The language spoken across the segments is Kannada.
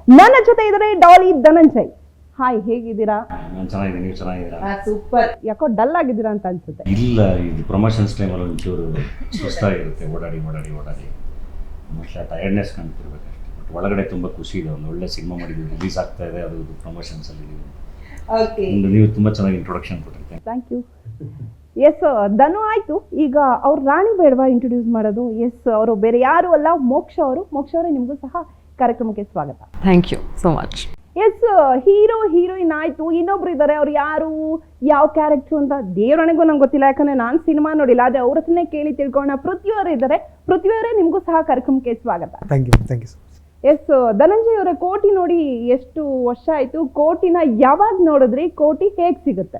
ನನ್ನ ಜೊತೆ ಇದ್ದಾರೆ ಡಾಲಿ ಧನಂಜಯ್. ಹಾಯ್, ಹೇಗಿದ್ದೀರಾ? ನಾನು ಚೆನ್ನಾಗಿದ್ದೀನಿ, ನೀವು ಚೆನ್ನಾಗಿದ್ದೀರಾ? ಸೂಪರ್. ಯಾಕೋ ಡಲ್ ಆಗಿದ್ದೀರಾ ಅಂತ ಅನ್ಸುತ್ತೆ. ಇಲ್ಲ, ಇದು ಪ್ರಮೋಷನ್ಸ್ ಟೈಮಲ್ಲಿ ಒಂಚೂರು ಸುಸ್ತಾಗಿರುತ್ತೆ, ಓಡಾಡಿ ಮೋಸ್ಟ್ಲಿ ಟಯರ್ಡ್ನೆಸ್ ಕಾಣ್ತಿರ್ಬೇಕಷ್ಟೇ. ಬಟ್ ಒಳಗಡೆ ತುಂಬ ಖುಷಿ ಇದೆ, ಒಂದು ಒಳ್ಳೆ ಸಿನಿಮಾ ಮಾಡಿದ್ದೀವಿ, ರಿಲೀಸ್ ಆಗ್ತಾ ಇದೆ, ಅದು ಪ್ರಮೋಷನ್ಸಲ್ಲಿ ಇದ್ದೀವಿ. ನೀವು ತುಂಬ ಚೆನ್ನಾಗಿ ಇಂಟ್ರೊಡಕ್ಷನ್ ಕೊಟ್ಟಿರ್ತೀನಿ. Thank you. ಎಸ್, ಧನು ಆಯ್ತು. ಈಗ ಅವ್ರ ರಾಣಿ ಬೇಡವಾ ಇಂಟ್ರೊಡ್ಯೂಸ್ ಮಾಡೋದು? ಎಸ್, ಅವರು ಬೇರೆ ಯಾರು ಅಲ್ಲ, ಮೋಕ್ಷ ಅವರು. ಮೋಕ್ಷ ಅವರೇ, ನಿಮಗೂ ಸಹ ಕಾರ್ಯಕ್ರಮಕ್ಕೆ ಸ್ವಾಗತ. Thank you so much. Yes, hero heroine ಆಯ್ತು, ಇನ್ನೊಬ್ರು ಇದ್ದಾರೆ. ಅವ್ರು ಯಾರು, ಯಾವ ಕ್ಯಾರೆಕ್ಟರ್ ಅಂತ ದೇವರಣಿಗೂ ನಂಗೆ ಗೊತ್ತಿಲ್ಲ, ಯಾಕಂದ್ರೆ ನಾನು ಸಿನಿಮಾ ನೋಡಿಲ್ಲ. ಆದ್ರೆ ಅವ್ರ ಹತ್ರನೇ ಕೇಳಿ ತಿಳ್ಕೊಳ್ಳೋಣ. ಪೃಥ್ವಿಯವರು ಇದ್ದಾರೆ. ಪೃಥ್ವಿಯವರೇ, ನಿಮಗೂ ಸಹ ಕಾರ್ಯಕ್ರಮಕ್ಕೆ ಸ್ವಾಗತ. Thank you. ಎಸ್, ಧನಂಜಯ್ ಅವರ ಕೋಟಿ ನೋಡಿ ಎಷ್ಟು ವರ್ಷ ಆಯ್ತು? ಕೋಟಿನ ಯಾವಾಗ ನೋಡಿದ್ರಿ? ಕೋಟಿ ಹೇಗ್ ಸಿಗುತ್ತೆ?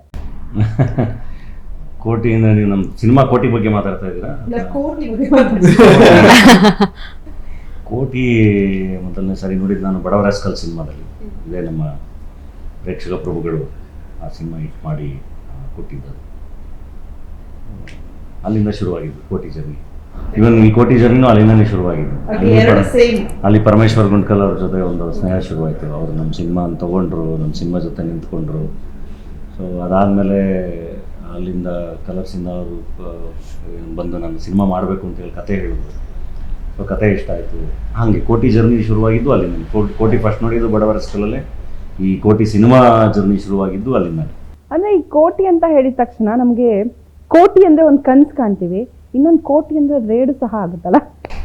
ಕೋಟಿಯಿಂದ ನೀವು ನಮ್ಮ ಸಿನಿಮಾ ಕೋಟಿ ಬಗ್ಗೆ ಮಾತಾಡ್ತಾ ಇದ್ದೀರಾ? ಕೋಟಿ ಮೊದಲನೇ ಸಾರಿ ನೋಡಿದ್ದು ನಾನು ಬಡವರ ರಾಸ್ಕಲ್ ಸಿನಿಮಾದಲ್ಲಿ. ಇದೇ ನಮ್ಮ ಪ್ರೇಕ್ಷಕ ಪ್ರಭುಗಳು ಆ ಸಿನಿಮಾ ಹಿಟ್ ಮಾಡಿ ಕೊಟ್ಟಿದ್ದರು. ಅಲ್ಲಿಂದ ಶುರುವಾಗಿದ್ದು ಕೋಟಿ ಜರ್ನಿ. ಇವನ್ ಈ ಕೋಟಿ ಜರ್ನಿನೂ ಅಲ್ಲಿಂದನೇ ಶುರುವಾಗಿದ್ದು. ಅಲ್ಲಿ ಪರಮೇಶ್ವರ್ ಗುಂಡ್ಕಲ್ ಅವ್ರ ಜೊತೆ ಒಂದು ಸ್ನೇಹ ಶುರುವಾಯಿತು. ಅವರು ನಮ್ಮ ಸಿನಿಮಾ ತೊಗೊಂಡ್ರು, ನಮ್ಮ ಸಿನಿಮಾ ಜೊತೆ ನಿಂತ್ಕೊಂಡ್ರು. ಸೊ ಅದಾದಮೇಲೆ ಅಲ್ಲಿಂದ ಕಲರ್ಸಿಂದ ಅವರು ಬಂದು ನಾನು ಸಿನಿಮಾ ಮಾಡಬೇಕು ಅಂತೇಳಿ ಕತೆ ಹೇಳಿದ್ರು. ಸೊ ಕತೆ ಇಷ್ಟ ಆಯಿತು. ಹಾಗೆ ಕೋಟಿ ಜರ್ನಿ ಶುರುವಾಗಿದ್ದು ಅಲ್ಲಿಂದ. ಕೋಟಿ ಫಸ್ಟ್ ನೋಡಿದ್ದು ಬಡವರ ಸ್ಕೂಲಲ್ಲೇ. ಈ ಕೋಟಿ ಸಿನಿಮಾ ಜರ್ನಿ ಶುರುವಾಗಿದ್ದು ಅಲ್ಲಿಂದ. ಅಂದ್ರೆ ಈ ಕೋಟಿ ಅಂತ ಹೇಳಿದ ತಕ್ಷಣ ನಮಗೆ ಕೋಟಿ ಅಂದ್ರೆ ಒಂದು ಕನ್ಸು ಕಾಣ್ತೀವಿ, ಇನ್ನೊಂದು ಕೋಟಿ ಅಂದ್ರೆ ರೇಡು ಸಹ ಆಗುತ್ತಲ್ಲ?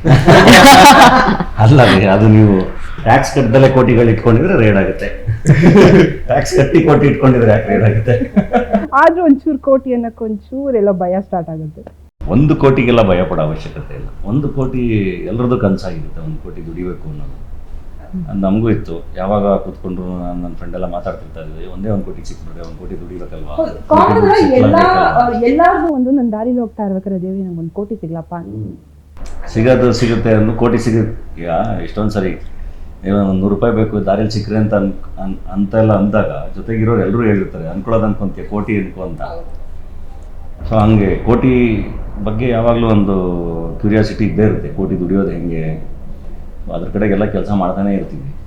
ಅಲ್ಲ, ಅದು ನೀವು ಟ್ಯಾಕ್ಸ್ ಕಟ್ಟದಲ್ಲೇ ಕೋಟಿಗಳು ಇಟ್ಕೊಂಡಿದ್ರೆ ರೇಡ್ ಆಗುತ್ತೆ. ಟ್ಯಾಕ್ಸ್ ಕಟ್ಟಿ ಕೋಟಿ ಇಟ್ಕೊಂಡಿದ್ರೆ ಯಾಕೆ ರೇಡ್ ಆಗುತ್ತೆ? ಆದ್ರೂ ಒಂಚೂರು ಕೋಟಿ ಅನ್ನಕ್ಕೆ ಒಂಚೂರೆಲ್ಲ ಭಯ ಸ್ಟಾರ್ಟ್ ಆಗುತ್ತೆ. 1 ಕೋಟಿಗೆಲ್ಲ ಭಯ ಪಡೋ ಅವಶ್ಯಕತೆ ಇಲ್ಲ. 1 ಕೋಟಿ ಎಲ್ಲರದ್ದು ಕನಸಾಗಿರುತ್ತೆ, 1 ಕೋಟಿ ದುಡಿಬೇಕು ಅನ್ನೋದು. ಅದು ನಮಗೂ ಇತ್ತು. ಯಾವಾಗ ಕೂತ್ಕೊಂಡ್ರು ನನ್ನ ಫ್ರೆಂಡ್ ಎಲ್ಲ ಮಾತಾಡ್ತಿರ್ತಾ ಇದ್ವಿ, ಒಂದೇ 1 ಕೋಟಿ ಸಿಕ್ಬಿಟ್ರೆ 1 ಕೋಟಿ ದುಡಿಬೇಕಲ್ವಾ? ಎಲ್ಲಾರ್ಗೂ ಒಂದು ನನ್ನ ದಾರಿಲಿ ಹೋಗ್ತಾ ಇರ್ಬೇಕಾದ್ರೆ ದೇವಿ ನಂಗೆ 1 ಕೋಟಿ ಸಿಗ್ಲಪ್ಪ ಸಿಗುತ್ತೆ ಒಂದು ಕೋಟಿ ಸಿಗುತ್ತೆ. ಎಷ್ಟೊಂದು ಸರಿ ಒಂದು 100 ರೂಪಾಯಿ ಬೇಕು ದಾರಿಯಲ್ಲಿ ಸಿಕ್ಕರೆ ಅಂತೆಲ್ಲ ಅಂದಾಗ ಜೊತೆಗಿರೋರು ಎಲ್ಲರೂ ಹೇಳಿರ್ತಾರೆ, ಅನ್ಕೊಳ್ಳೋದು ಅನ್ಕೊಂತೀಯ ಕೋಟಿ ಅನ್ಕೋ ಅಂತ. ಸೊ ಹಂಗೆ ಕೋಟಿ ಬಗ್ಗೆ ಯಾವಾಗಲೂ ಒಂದು ಕ್ಯೂರಿಯಾಸಿಟಿ ಇದ್ದೇ ಇರುತ್ತೆ. ಕೋಟಿ ದುಡಿಯೋದು ಹೆಂಗೆ, ಅದ್ರ ಕಡೆಗೆಲ್ಲ ಕೆಲಸ ಮಾಡ್ತಾನೆ ಇರ್ತೀವಿ.